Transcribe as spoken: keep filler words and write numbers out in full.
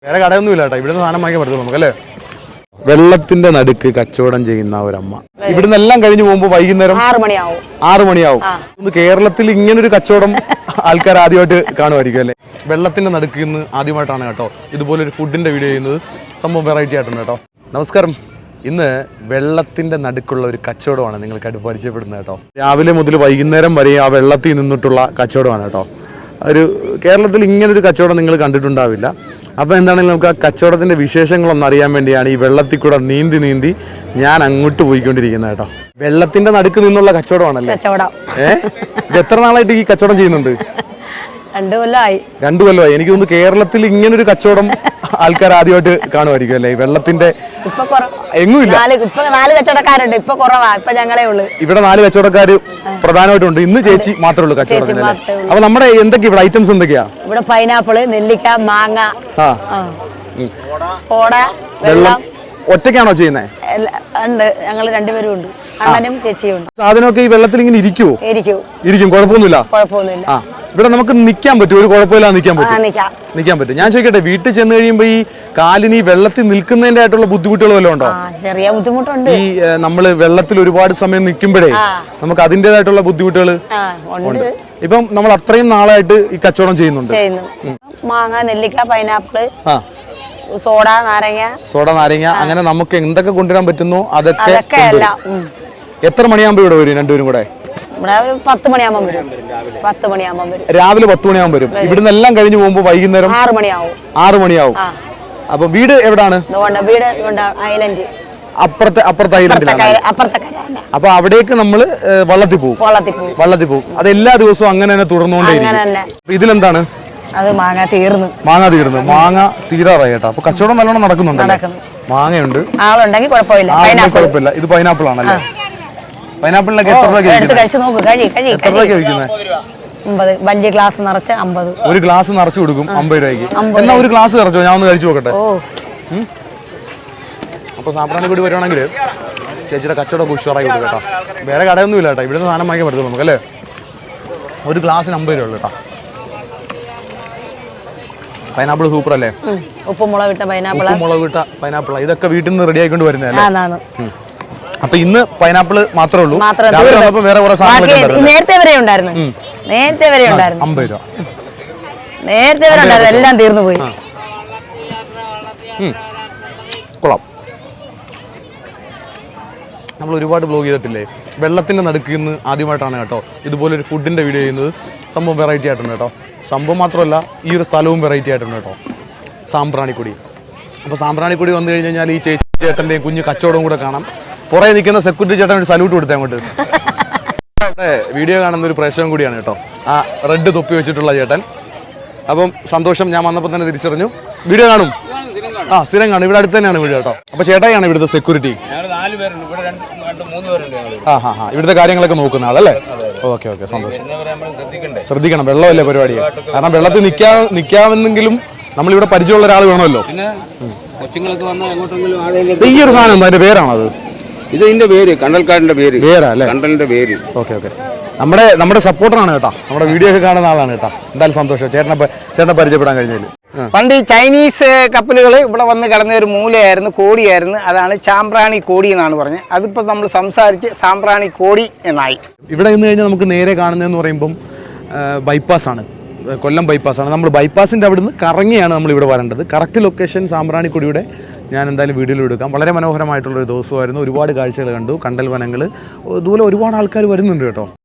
വേറെ കടയൊന്നുമില്ല കേട്ടോ, ഇവിടുന്ന് സാധനം വാങ്ങിക്കാൻ പറ്റുള്ളൂ നമുക്ക് അല്ലേ. വെള്ളത്തിന്റെ നടുക്ക് കച്ചവടം ചെയ്യുന്ന ഒരമ്മ ഇവിടുന്ന് എല്ലാം കഴിഞ്ഞു പോകുമ്പോ വൈകുന്നേരം ആറ് മണിയാവും ആറു മണിയാവും കേരളത്തിൽ ഇങ്ങനൊരു കച്ചവടം ആൾക്കാർ ആദ്യമായിട്ട് കാണുമായിരിക്കും അല്ലേ. വെള്ളത്തിന്റെ നടുക്ക് ഇന്ന് ആദ്യമായിട്ടാണ് കേട്ടോ ഇതുപോലൊരു ഫുഡിന്റെ വീഡിയോ ചെയ്യുന്നത്. സംഭവം വെറൈറ്റി ആയിട്ടുണ്ട് കേട്ടോ. നമസ്കാരം. ഇന്ന് വെള്ളത്തിന്റെ നടുക്കുള്ള ഒരു കച്ചവടമാണ് നിങ്ങൾക്കായിട്ട് പരിചയപ്പെടുന്നത് കേട്ടോ. രാവിലെ മുതൽ വൈകുന്നേരം വരെ ആ വെള്ളത്തിൽ നിന്നിട്ടുള്ള കച്ചവടമാണ് കേട്ടോ. ഒരു കേരളത്തിൽ ഇങ്ങനൊരു കച്ചവടം നിങ്ങൾ കണ്ടിട്ടുണ്ടാവില്ല. അപ്പോൾ എന്താണെങ്കിലും നമുക്ക് ആ കച്ചവടത്തിൻ്റെ വിശേഷങ്ങളൊന്നും അറിയാൻ വേണ്ടിയാണ് ഈ വെള്ളത്തിൽ കൂടെ നീന്തി നീന്തി ഞാൻ അങ്ങോട്ട് പോയിക്കൊണ്ടിരിക്കുന്നത് കേട്ടോ. വെള്ളത്തിന്റെ നടുക്ക് നിന്നുള്ള കച്ചവടമാണല്ലേ. ഏഹ് ഇത് എത്ര നാളായിട്ട് ഈ കച്ചവടം ചെയ്യുന്നുണ്ട്? രണ്ടു കൊല്ലമായി. രണ്ടു കൊല്ലമായി. എനിക്ക് തോന്നുന്നു കേരളത്തിൽ ഇങ്ങനൊരു കച്ചവടം ആൾക്കാർ ആദ്യമായിട്ട് കാണുമായിരിക്കും അല്ലേ. ഈ വെള്ളത്തിന്റെ എങ്ങുമില്ല. നാല് കച്ചവടക്കാരുണ്ട്, ഇപ്പൊ കുറവാ, ഇപ്പൊ ഞങ്ങളേ ഉള്ളു. ഇവിടെ നാല് കച്ചവടക്കാര് പ്രധാനമായിട്ടുണ്ട്. ഇന്ന് ചേച്ചി മാത്രമേ ഉള്ളൂ കച്ചവടത്തിന്. അപ്പൊ നമ്മുടെ എന്തൊക്കെയാ ഇവിടെ ഐറ്റംസ് എന്തൊക്കെയാ? ഇവിടെ പൈനാപ്പിള്, നെല്ലിക്ക, മാങ്ങ, സോഡ, വെള്ളം. ഒറ്റയ്ക്കാണോ ചെയ്യുന്നത്? ഉണ്ട്, ഞങ്ങൾ രണ്ടുപേരും ഉണ്ട്, അണ്ണനും ചേച്ചിയും ഉണ്ട്. സാധനമൊക്കെ ഈ വെള്ളത്തിൽ ഇങ്ങനെ ഇരിക്കുവോ? ഇരിക്കും ഇരിക്കും കുഴപ്പമൊന്നുമില്ല. കുഴപ്പമൊന്നുമില്ല. ആ ഇവിടെ നമുക്ക് നിൽക്കാൻ പറ്റും, ഒരു കുഴപ്പമില്ലാതെ നിൽക്കാൻ പറ്റും. നിൽക്കാൻ പറ്റും. ഞാൻ ചോദിക്കട്ടെ, വീട്ടിൽ ചെന്ന് കഴിയുമ്പോ ഈ കാലിന് ഈ വെള്ളത്തിൽ നിൽക്കുന്നതിന്റെ ആയിട്ടുള്ള ബുദ്ധിമുട്ടുകൾ വല്ലതും ഉണ്ടോ? ചെറിയ ബുദ്ധിമുട്ടുണ്ട്. ഈ നമ്മള് വെള്ളത്തിൽ ഒരുപാട് സമയം നിൽക്കുമ്പോഴേ നമുക്ക് അതിൻ്റെതായിട്ടുള്ള ബുദ്ധിമുട്ടുകൾ ഉണ്ട്. ഇപ്പം നമ്മൾ അത്രയും നാളായിട്ട് ഈ കച്ചവടം ചെയ്യുന്നുണ്ട്. മാങ്ങ, നെല്ലിക്ക, പൈനാപ്പിള്, സോഡ, നാരങ്ങ സോഡ നാരങ്ങ അങ്ങനെ നമുക്ക് എന്തൊക്കെ കൊണ്ടുവരാൻ പറ്റുന്നോ അതൊക്കെ. എത്ര മണിയാകുമ്പോ ഇവിടെ വരും രണ്ടുപേരും കൂടെ? പത്ത് മണിയാകുമ്പോൾ വരും. പത്ത് മണിയാകുമ്പോൾ വരും. രാവിലെ പത്ത് മണിയാകുമ്പോൾ വരും. ഇവിടുന്ന് എല്ലാം കഴിഞ്ഞു പോകുമ്പോ വൈകുന്നേരം ആറ് മണിയാവും. ആറ് മണിയാവും. അപ്പൊ വീട് എവിടാണ്? വീട് ഐലൻഡ്. അപ്പുറത്തെ അപ്പുറത്തെ ഐലൻഡിലാണ്. അപ്പൊ അവിടേക്ക് നമ്മള് വള്ളത്തിൽ പോകും. വള്ളത്തിൽ പോകും. അത് എല്ലാ ദിവസവും അങ്ങനെ തന്നെ തുടർന്നുകൊണ്ടേയിരിക്കും. ഇതിലെന്താണ്? അത് മാങ്ങ തീർന്നു. മാങ്ങ തീർന്നു. മാങ്ങ തീരാറായി കേട്ടോ. അപ്പൊ കച്ചവടം നല്ലോണം നടക്കുന്നുണ്ട്. മാങ്ങയുണ്ട്. ആളുണ്ടെങ്കിൽ കുഴപ്പമില്ല. കുഴപ്പമില്ല. ഇത് പൈനാപ്പിൾ ആണല്ലേ. പൈനാപ്പിളിനൊക്കെ എത്ര രൂപ? എത്ര രൂപയ്ക്ക് വിൽക്കുന്നത്? വലിയ ഗ്ലാസ് നിറച്ച് അമ്പത്. ഒരു ഗ്ലാസ് നിറച്ച് കൊടുക്കും അമ്പത് രൂപയ്ക്ക്. എന്നാ ഒരു ഗ്ലാസ് നിറച്ചോ, ഞാൻ ഒന്ന് കഴിച്ചു നോക്കട്ടെ. അപ്പൊ സാമ്പ്രാണിക്കൂടി വരുവാണെങ്കിൽ ചേച്ചിയുടെ കച്ചവടം ഉഷാറായി കൊടുക്കും കേട്ടോ. വേറെ കടയൊന്നുമില്ല കേട്ടോ, ഇവിടുന്ന് സാധനം വാങ്ങിക്കാൻ പറ്റുള്ളൂ നമുക്ക് അല്ലേ. ഒരു ഗ്ലാസ്സിന് അമ്പത് രൂപ ഉള്ളു കേട്ടോ. പൈനാപ്പിൾ സൂപ്പർ അല്ലേ. ഉപ്പുമുളക് ഇട്ട പൈനാപ്പിൾ. ഉപ്പുമുളക് ഇട്ട പൈനാപ്പിൾ. ഇതൊക്കെ വീട്ടിൽ നിന്ന് റെഡി ആയിക്കൊണ്ട് വരുന്നതല്ലേ. അപ്പൊ ഇന്ന് പൈനാപ്പിള് മാത്രമേ ഉള്ളൂ. വേറെ കുറെ സാധനങ്ങൾ നേരത്തെ വരെ ഉണ്ടായിരുന്നു. നേരത്തെ വരെ ഉണ്ടായിരുന്നു അമ്പത് രൂപ. നേരത്തെ വരെ ഉണ്ടായിരുന്നു, എല്ലാം തീർന്നു പോയി. കൊള്ളാം. നമ്മൾ ഒരുപാട് ബ്ലോഗ് ചെയ്തിട്ടില്ലേ. വെള്ളത്തിന്റെ നടുക്ക് ഇന്ന് ആദ്യമായിട്ടാണ് കേട്ടോ ഇതുപോലൊരു ഫുഡിന്റെ വീഡിയോ ചെയ്യുന്നത്. സംഭവം വെറൈറ്റി ആയിട്ടുണ്ട് കേട്ടോ. സംഭവം മാത്രമല്ല, ഈ ഒരു സ്ഥലവും വെറൈറ്റി ആയിട്ടുണ്ട് കേട്ടോ. സാമ്പ്രാണിക്കൊടി. അപ്പോൾ സാമ്പ്രാണിക്കൊടി വന്നു കഴിഞ്ഞ് കഴിഞ്ഞാൽ ഈ ചേച്ചി ചേട്ടൻ്റെയും കുഞ്ഞ് കച്ചവടവും കൂടെ കാണാം. പുറകെ നിൽക്കുന്ന സെക്യൂരിറ്റി ചേട്ടൻ ഒരു സല്യൂട്ട് കൊടുത്തേ അങ്ങോട്ട്. വീഡിയോ കാണുന്ന ഒരു പ്രേക്ഷകൻ കൂടിയാണ് കേട്ടോ ആ റെഡ് തൊപ്പി വെച്ചിട്ടുള്ള ചേട്ടൻ. അപ്പം സന്തോഷം, ഞാൻ വന്നപ്പോൾ തന്നെ തിരിച്ചറിഞ്ഞു. വീഡിയോ കാണും? ആ സ്ഥിരം കാണും. ഇവിടെ അടുത്ത് തന്നെയാണ് വീഡിയോ കേട്ടോ. അപ്പോൾ ചേട്ടായിയാണ് ഇവിടുത്തെ സെക്യൂരിറ്റി. ആ ഹാ ഹാ ഇവിടുത്തെ കാര്യങ്ങളൊക്കെ നോക്കുന്ന ആളല്ലേ. ഓക്കെ ഓക്കെ സന്തോഷം. ശ്രദ്ധിക്കണം, വെള്ളമല്ലേ പരിപാടി. കാരണം വെള്ളത്തിൽ നിൽക്കാ നിൽക്കാമെന്നെങ്കിലും നമ്മളിവിടെ പരിചയമുള്ള ഒരാൾ വേണമല്ലോ. ഈ ഒരു സാധനം എന്താ, അതിന്റെ പേരാണത്? ഇത് ഇതിന്റെ പേര് കണ്ടൽക്കാടിന്റെ പേര്. പേരല്ലേ? കണ്ടലിന്റെ പേര്. ഓക്കെ ഓക്കെ നമ്മുടെ നമ്മുടെ സപ്പോർട്ടറാണ് കേട്ടോ. നമ്മുടെ വീഡിയോ ഒക്കെ കാണുന്ന ആളാണ് കേട്ടോ. എന്തായാലും സന്തോഷം ചേട്ടനെ ചേട്ടനെ പരിചയപ്പെടാൻ കഴിഞ്ഞതിൽ. പണ്ട് ഈ ചൈനീസ് കപ്പലുകൾ ഇവിടെ വന്ന് കിടന്ന ഒരു മൂലയായിരുന്നു, കോടിയായിരുന്നു. അതാണ് സാമ്പ്രാണി കോടി എന്നാണ് പറഞ്ഞത്. അതിപ്പോൾ നമ്മൾ സംസാരിച്ച് സാമ്പ്രാണി കോടി എന്നായി. ഇവിടെ നിന്ന് കഴിഞ്ഞാൽ നമുക്ക് നേരെ കാണുന്നതെന്ന് പറയുമ്പം ബൈപ്പാസാണ്, കൊല്ലം ബൈപ്പാസാണ്. നമ്മൾ ബൈപ്പാസിൻ്റെ അവിടെ നിന്ന് കറങ്ങിയാണ് നമ്മൾ ഇവിടെ വരേണ്ടത്. കറക്റ്റ് ലൊക്കേഷൻ സാമ്പ്രാണിക്കൊടിയുടെ ഞാൻ എന്തായാലും വീഡിയോയിൽ എടുക്കാം. വളരെ മനോഹരമായിട്ടുള്ളൊരു ദിവസമായിരുന്നു. ഒരുപാട് കാഴ്ചകൾ കണ്ടു. കണ്ടൽ വനങ്ങൾ, ഇതുപോലെ ഒരുപാട് ആൾക്കാർ വരുന്നുണ്ട് കേട്ടോ.